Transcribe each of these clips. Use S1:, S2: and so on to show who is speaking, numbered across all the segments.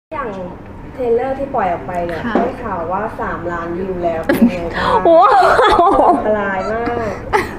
S1: อย่างเทรลเลอร์ที่ปล่อยออกไปเนี่ยได้ข่าวว่า3 ล้านวิวแล้วเป็นไงบ้าง
S2: ว้าว
S1: อันตรายมาก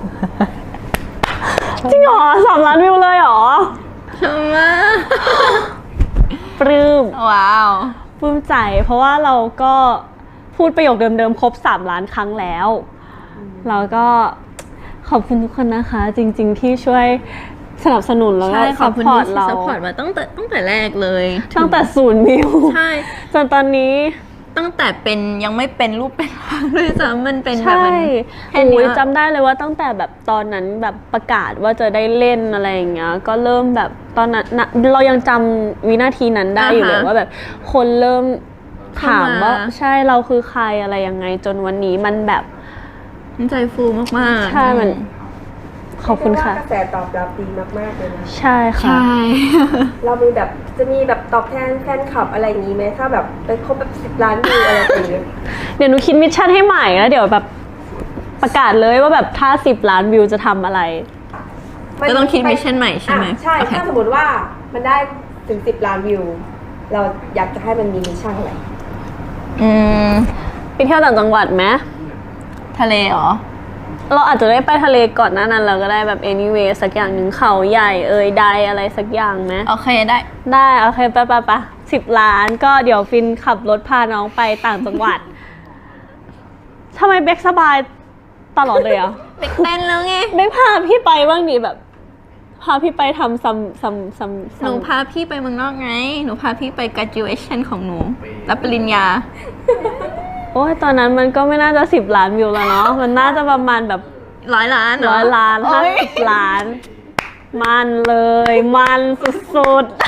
S2: จริงเหรอ3 ล้านวิวเลยเหรอ
S3: ชมมาก
S2: ปลื้ม
S3: ว้าว
S2: ปลื้มใจเพราะว่าเราก็พูดประโยคเดิมๆครบ3 ล้านครั้งแล้วเราก็ขอบคุณทุกคนนะคะจริงๆที่ช่วยสนับสนุนแล้วก็ซัพพอร์ตเรา
S3: ซัพพอร์ตมาตั้งแต่แรกเลย
S2: ตั้งแต่0 วิว
S3: ใช่
S2: จนตอนนี้
S3: ตั้งแต่เป็นยังไม่เป็นรูปเป็นร่างเลยซ้ำมันเป็นแบบ
S2: ใช่
S3: แค่นี้
S2: จำได้เลยว่าตั้งแต่แบบตอนนั้นแบบประกาศว่าจะได้เล่นอะไรอย่างเงี้ยก็เริ่มแบบตอนนั้นเรายังจำวินาทีนั้นได้อยู่เลยว่าแบบคนเริ่มถามว่าใช่เราคือใครอะไรยังไงจนวันนี้มันแบบ
S3: ใจฟูมาก
S2: ๆใช่มันขอบคุณค่ะ
S1: กระแสตอบรับดีมากๆเลยนะ
S2: ใช่ค่ะ
S1: เรามีแบบจะมีแบบตอบแทนแฟนคลับอะไรอย่างนี้ไหมถ้าแบบไปครบแบบ10 ล้านวิวอะไรอย่างเงี้ย
S2: เดี๋ยวหนูคิดมิชชั่นให้ใหม่แล้วเดี๋ยวแบบประกาศเลยว่าแบบถ้า10 ล้านวิวจะทำอะไร
S3: ก็ต้องคิดมิชชั่นใหม่ใช่ไหม
S1: ใช่ถ้าสมมติว่ามันได้ถึง10 ล้านวิวเราอยากจะให้มันมีมิชชั่นอะไร
S2: ไปเที่ยวต่างจังหวัดไหม
S3: ทะเลเหรอ
S2: เราอาจจะได้ไปทะเลก่อนหน้านั้นเราก็ได้แบบ anyway สักอย่างหนึ่งเขาใหญ่ใดอะไรสักอย่างไหม
S3: โอเค
S2: ได้โอเคไป10 ล้านก็เดี๋ยวฟินขับรถพาน้องไปต่างจังหวัดทำไมเบคสบายตลอดเลยอ่ะ
S3: เบคเต้นแล้วไง
S2: เบคพาพี่ไปบ้างดิแบบพาพี่ไปทำซ้ำ
S3: หนูพาพี่ไปเมืองนอกไงหนูพาพี่ไป graduation ของหนูรับปริญญา
S2: โอ้ยตอนนั้นมันก็ไม่น่าจะ10 ล้านวิวแล้วเนาะมันน่าจะประมาณแบบ
S3: 100 ล้าน
S2: 100 ล้าน50 ล้านมันเลยมันสุดๆ